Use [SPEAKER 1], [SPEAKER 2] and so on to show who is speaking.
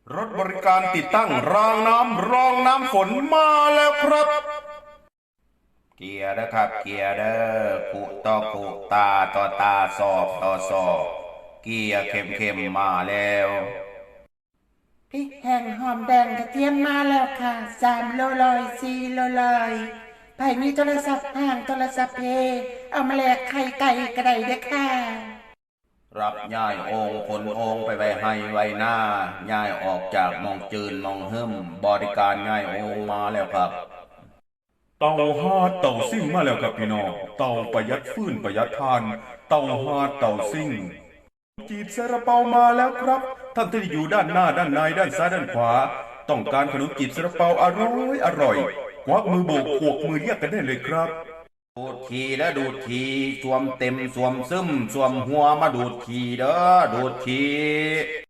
[SPEAKER 1] รถบริการติดตั้งรองน้ำฝนมาแล้วครับเกียร์นะครับเกียร์เด้อกุต่อกุตาต่อตาสอบต่อสอบเกียร์เข้มมาแล้ว
[SPEAKER 2] พริกแห้งหอมแดงกระเทียมมาแล้วค่ะ3 โล4 โลไผ่มีโทรศัพท์ห่างโทรศัพท์เพเอามาแลกไข่ไก่กระไดเด้อค่ะ
[SPEAKER 1] รับย้ายองค์ขนองค์ไปไว้ให้ไว้หน้าย้ายออกจากมองจืนมองหึมบริการย้ายองค์มาแล้วครับ
[SPEAKER 3] เตาฮาดเตาซิ่งมาแล้วครับพี่น้องเตาประหยัดฟืนประหยัดทานเตาฮาดเตาซิ่งจีบซาลาเปามาแล้วครับท่านที่อยู่ด้านหน้าด้านในด้านซ้ายด้านขวาต้องการขนมจีบซาลาเปาอร่อยควักมือโบกขวกมือเรียกกันได้เลยครับ
[SPEAKER 1] ดูดทีแล้วดูดทีสวมเต็มสวมซึมสวมหัวมาดูดทีเด้อดูดที